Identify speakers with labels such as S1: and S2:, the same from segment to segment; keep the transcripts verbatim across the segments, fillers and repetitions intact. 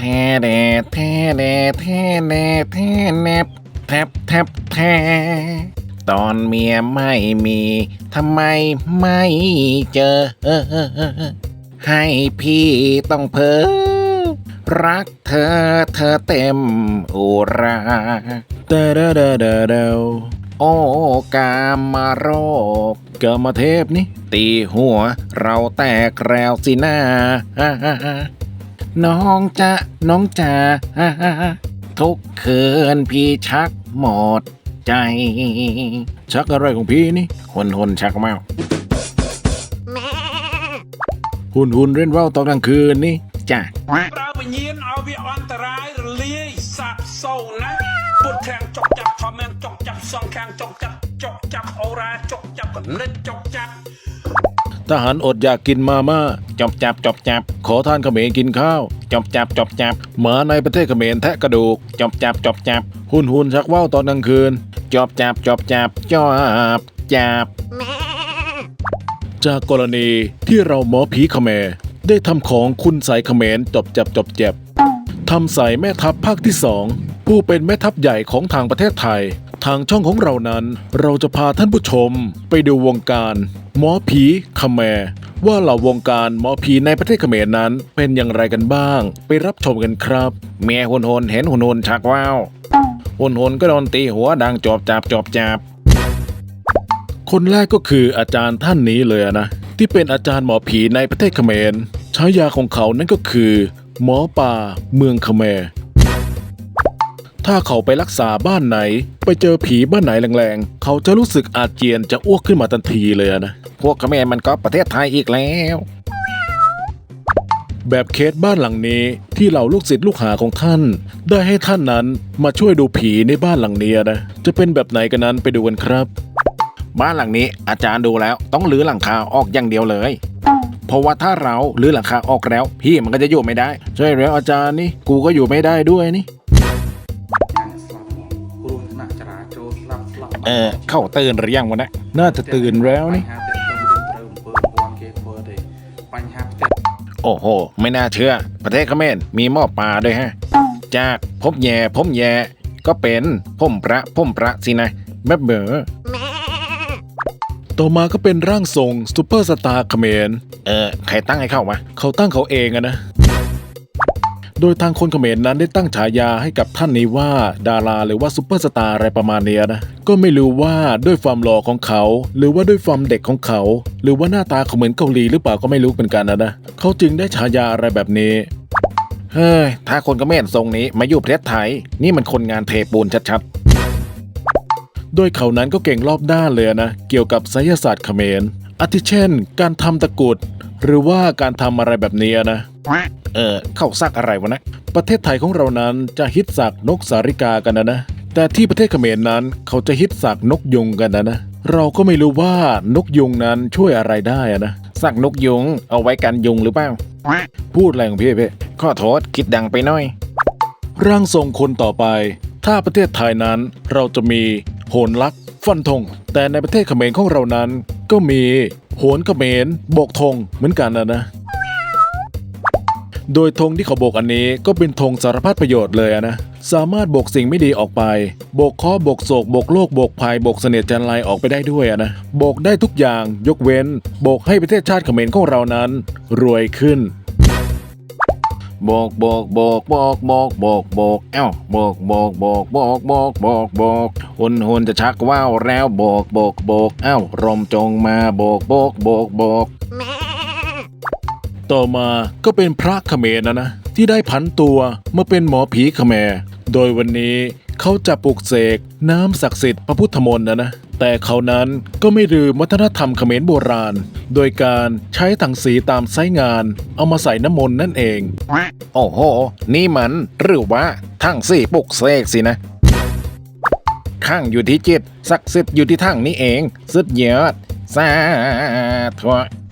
S1: แดแท้แดแท้แดแท้แนบแทบแทบแท้ตอนเมียไม่มีทำไมไม่เจอให้พี่ต้องเพ้อรักเธอเธอเต็มอุราเดาเดาเดาเดาเดาโอ้กามมาโรคกามเทพนี่ตีหัวเราแตกแล้วสินะน้องจะน้องจ๋าทุกคืนพี่ชักหมดใจชักอะไรของพี่นี่หนหนชักเมาหุ่นหุ่นเล่นว่าวตอนกลางคืนนี่จ้ะ
S2: เราไปยินเอาวิอันตรายเลี้ยสับโซนะปุดแทงจกจับทอมแมงจกจับสองแขงจกจับจกจับโอราจกจับกันเล่นจกจับ
S1: ทหารอดอยากกินมาม่าจบจับจบจับขอทานเขมรกินข้าวจบจับจบจับหมาในประเทศเขมรแทะกระดูกจบจับจบจับหุ่นหุ่นชักว่าวตอนกลางคืนจบจับจบจับจบจับจากกรณีที่เราหมอผีเขมรได้ทำของคุณใสเขมรจบจับจบจับทำใส่แม่ทัพภาคที่สองผู้เป็นแม่ทัพใหญ่ของทางประเทศไทยทางช่องของเรานั้นเราจะพาท่านผู้ชมไปดูวงการหมอผีเขมรว่าเหล่าวงการหมอผีในประเทศเขมรนั้นเป็นอย่างไรกันบ้างไปรับชมกันครับเมียหุนหนเห็นหุนหนชักว่าวหุนหนก็โดนตีหัวดังจอบจับจอบจับคนแรกก็คืออาจารย์ท่านนี้เลยนะที่เป็นอาจารย์หมอผีในประเทศเขมรฉายาของเขานั่นก็คือหมอป่าเมืองเขมรถ้าเขาไปรักษาบ้านไหนไปเจอผีบ้านไหนแรงๆเขาจะรู้สึกอาเจียนจะอ้วกขึ้นมาทันทีเลยนะพวกเขมรมันก็ประเทศไทยอีกแล้วแบบเคสบ้านหลังนี้ที่เหล่าลูกศิษย์ลูกหาของท่านได้ให้ท่านนั้นมาช่วยดูผีในบ้านหลังนี้นะจะเป็นแบบไหนกันนั้นไปดูกันครับบ้านหลังนี้อาจารย์ดูแล้วต้องรื้อหลังคาออกอย่างเดียวเลยเพราะว่าถ้าเรารื้อหลังคาออกแล้วพี่มันก็จะอยู่ไม่ได้ใช่แล้วอาจารย์นี่กูก็อยู่ไม่ได้ด้วยนี่เออเข้าตื่นหรือยังวะนะน่าจะตื่นแล้วนี่โอ้โหไม่น่าเชื่อประเทศเขมรมีหม้อปลาด้วยฮะจากพบแย่พบแย่ก็เป็นพ่มพระพ่มพระสินะแบบเบอต่อมาก็เป็นร่างทรงซูเปอร์สตาร์เขมรเออใครตั้งให้เข้าวะเขาตั้งเขาเองอะนะโดยทางคนเขมรนั้นได้ตั้งฉายาให้กับท่านนี้ว่าดาราหรือว่าซูเปอร์สตาร์อะไรประมาณนี้นะก็ไม่รู้ว่าด้วยความหล่อของเขาหรือว่าด้วยความเด็กของเขาหรือว่าหน้าตาเขาเหมือนเกาหลีหรือเปล่าก็ไม่รู้เป็นกันนะนะเขาจึงได้ฉายาอะไรแบบนี้เฮ้ยถ้าคนเขมรทรงนี้มาอยู่ประเทศไทยนี่มันคนงานเทปูนชัดๆโดยเขานั้นก็เก่งรอบด้านเลยนะเกี่ยวกับไสยศาสตร์เขมรอาทิเช่นการทำตะกรุดหรือว่าการทำอะไรแบบนี้นะเออเข้าซักอะไรวะนะประเทศไทยของเรานั้นจะฮิตสักนกสาริกากันนะนะแต่ที่ประเทศเขมรนั้นเขาจะฮิตสักนกยุงกันนะนะเราก็ไม่รู้ว่านกยุงนั้นช่วยอะไรได้อะนะสักนกยุงเอาไว้กันยุงหรือเปล่าพูดอะไรของพี่เพ่ขอโทษคิดดังไปหน่อยร่างทรงคนต่อไปถ้าประเทศไทยนั้นเราจะมีโหนลักษ์ฟันธงแต่ในประเทศเขมรของเรานั้นก็มีโหนเขมรโบกธงเหมือนกันนะนะโดยธงที่เขาโบกอันนี้ก็เป็นธงสารพัดประโยชน์เลยนะสามารถโบกสิ่งไม่ดีออกไปโบกเคราะห์โบกโศกโบกโลกโบกภัยโบกเสน่ห์จันไรออกไปได้ด้วยนะโบกได้ทุกอย่างยกเว้นโบกให้ประเทศชาติเขมรของเรานั้นรวยขึ้นโบกโบกโบกโบกโบกโบกโบกเอ้าโบกโบกโบกโบกโบกโบกโบกหุ่นหุ่นจะชักว่าวแล้วโบกโบกโบกเอ้ารมจงมาโบกโบกโบกโบกต่อมาก็เป็นพระเขมรนะนะที่ได้ผันตัวมาเป็นหมอผีเขมรโดยวันนี้เขาจะปลุกเสกน้ำศักดิ์สิทธิ์พระพุทธมนต์นะนะแต่เขานั้นก็ไม่ลืมวัฒนธรรมเขมรโบราณโดยการใช้ถังสีตามไซส์งานเอามาใส่น้ำมนต์นั่นเองโอ้โหนี่มันหรือว่าถังสีปลุกเสกสินะข้างอยู่ที่จิตศักดิ์สิทธิ์อยู่ที่ถังนี้เองสุดยอดสาธุ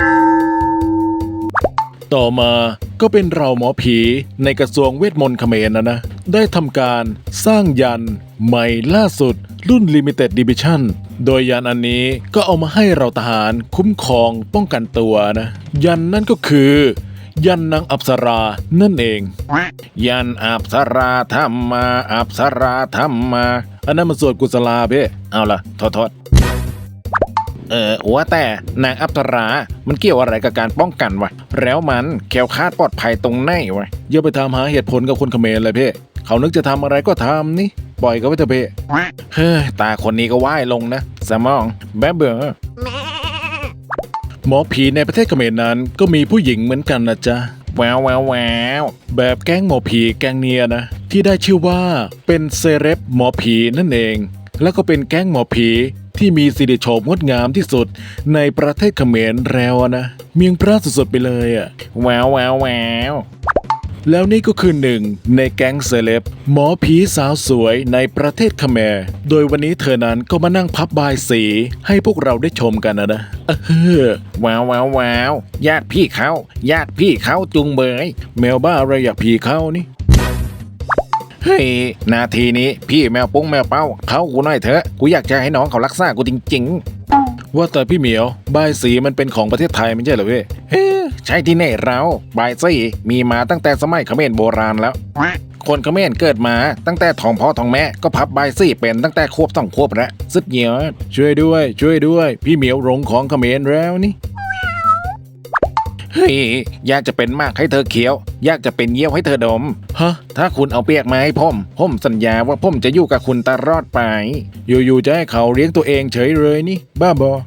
S1: ต่อมาก็เป็นเราหมอผีในกระทรวงเวทมนต์เขมรนะนะได้ทำการสร้างยันใหม่ล่าสุดรุ่น Limited Edition โดยยันอันนี้ก็เอามาให้เราทหารคุ้มครองป้องกันตัวนะยันนั่นก็คือยันนางอัปสรานั่นเอง ยันอัปสราธรรมาอัปสราธรรมาอันนั้นมันสวดกุศลาเพ่เอาล่ะโทษโทษเออว่าแต่นางอัปสรามันเกี่ยวอะไรกับการป้องกันวะแล้วมันแคล้วคลาดปลอดภัยตรงไหนวะอย่าไปถามหาเหตุผลกับคนเขมรเลยเพ่เขานึกจะทำอะไรก็ทำนี่ปล่อยเขาไปเถอะเพ่เฮ้ยตาคนนี้ก็ว่ายลงนะสมองแบ๊บเบ้อหมอผีในประเทศเขมรนั้นก็มีผู้หญิงเหมือนกันนะจ๊ะแววแววแววแบบแก๊งหมอผีแก๊งเนียนะที่ได้ชื่อว่าเป็นเซเลบหมอผีนั่นเองแล้วก็เป็นแก๊งหมอผีที่มีสิริโฉมงดงามที่สุดในประเทศเขมรแล้วนะเมียงพระสุดๆไปเลยอ่ะแววแววแววแล้วนี่ก็คือหนึ่งในแก๊งเซเลบหมอผีสาวสวยในประเทศเขมรโดยวันนี้เธอนั้นก็มานั่งพับบายสีให้พวกเราได้ชมกันนะนะเออว้าวว้าวว้าวญาติพี่เขาญาติพี่เขาจุงเบยแมวบ้าอะไรอยากพี่เขานี่เฮ้ยนาทีนี้พี่แมวปุ้งแมวเป้าเขากูหน่อยเถอะกูอยากจะให้น้องเขารักษากูจริงๆว่าแต่พี่เหมียวบายสีมันเป็นของประเทศไทยไม่ใช่เหรอพี่เฮ้ใช่ที่ไหนเราบายสีมีมาตั้งแต่สมัยเขมรโบราณแล้วคนเขมรเกิดมาตั้งแต่ท้องพ่อท้องแม่ก็พับบายสีเป็นตั้งแต่ควบสองควบแล้วสุดเหี่ยวช่วยด้วยช่วยด้วยพี่เหมียวหลงของเขมรแล้วนี่เฮ้ยอยากจะเป็นมากให้เธอเคี้ยวอยากจะเป็นเยี่ยวให้เธอดมฮะถ้าคุณเอาเปียกมาให้ผมผมสัญญาว่าผมจะอยู่กับคุณตลอดไปอยู่ๆจะให้เขาเลี้ยงตัวเองเฉยเลยนี่บ้าบอ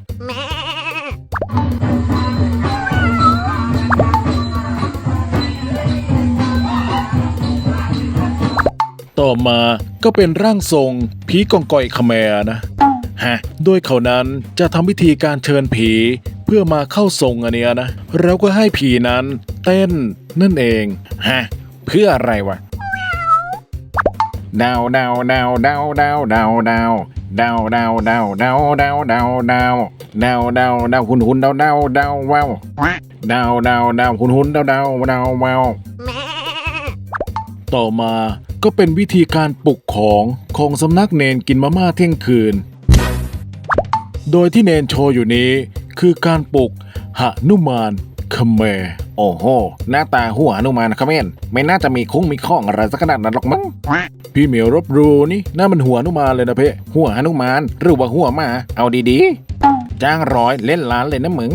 S1: ต่อมาก็เป็นร่างทรงผีกองกอยเขมรนะฮะโดยเขานั้นจะทำพิธีการเชิญผีเพื่อมาเข้าทรงอันเนี้ยนะแล้วก็ให้ผีนั้นเต้นนั่นเองฮะเพื่ออะไรวะดาวดาวดาวดาวดาวดาวดาวดาวดาวดาวดาวดาวดาวดาวดาวดาวดาวหุ่นหุ่นดาวดาวดาวว้าวดาวดาวดาวหุ่นหุ่นดาวดาวดาวว้าวต่อมาก็เป็นวิธีการปลุกของของสำนักเนนกินมาม่าเที่ยงคืนโดยที่เนนโชว์อยู่นี้คือการปลุกหนุมานเขมรโอ้โหหน้าตาหัวหนุมานเขมรไม่น่าจะมีคุ้งมีข้องอะไรสักขนาดนั้นหรอกมั้งพี่เหมียวรบรูนี่น่ามันหัวหนุมานเลยนะเพ่หัวหนุมานหรือว่าหัวหมาเอาดีๆจ้างร้อยเล่นล้านเลยนะมึง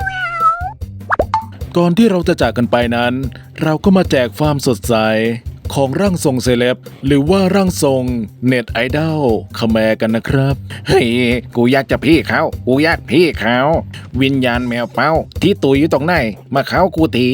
S1: ก่อนที่เราจะจากกันไปนั้นเราก็มาแจกความสดใสของร่างทรงเซเลบหรือว่าร่างทรงเน็ตไอดอลเขมรกันนะครับเฮ้ยกูอยากจะพี่เขากูอยากพี่เขาวิญญาณแมวเป้าที่ตุยอยู่ตรงไหนมาเขากูที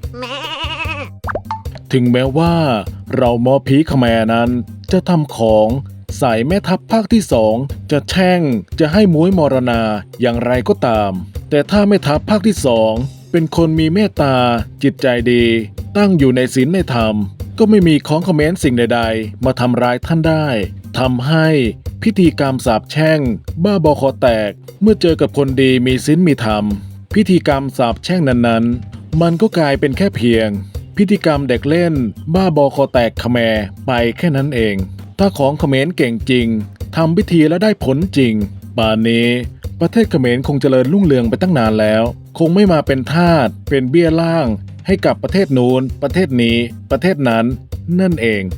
S1: ถึงแม้ว่าเราหมอผีเขมรนั้นจะทำของใส่แม่ทัพภาคที่สองจะแช่งจะให้ม้วยมรณาอย่างไรก็ตามแต่ถ้าแม่ทัพภาคที่สองเป็นคนมีเมตตาจิตใจดีตั้งอยู่ในศีลในธรรมก็ไม่มีของคอมเมนต์สิ่งใดๆมาทำร้ายท่านได้ทำให้พิธีกรรมสาปแช่งบ้าบอคอแตกเมื่อเจอกับคนดีมีศีลมีธรรมพิธีกรรมสาปแช่งนั้นๆมันก็กลายเป็นแค่เพียงพิธีกรรมเด็กเล่นบ้าบอคอแตกเขมรไปแค่นั้นเองถ้าของเขมรเก่งจริงทำพิธีแล้วได้ผลจริงป่านนี้ประเทศเขมรคงเจริญรุ่งเรืองไปตั้งนานแล้วคงไม่มาเป็นทาสเป็นเบี้ยล่างให้กับประเทศนู้นประเทศนี้ประเทศนั้นนั่นเอง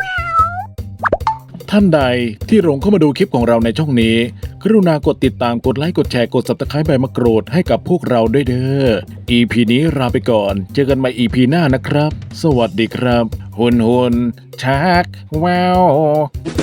S1: ท่านใดที่หลงเข้ามาดูคลิปของเราในช่องนี้กรุณากดติดตามกดไลค์กดแชร์กด ซับสไครบ์ ใบมะกรูดให้กับพวกเราด้วยเด้อ อี พี นี้ลาไปก่อนเจอกันใหม่ อี พี หน้านะครับสวัสดีครับหุนหุนชักว้าว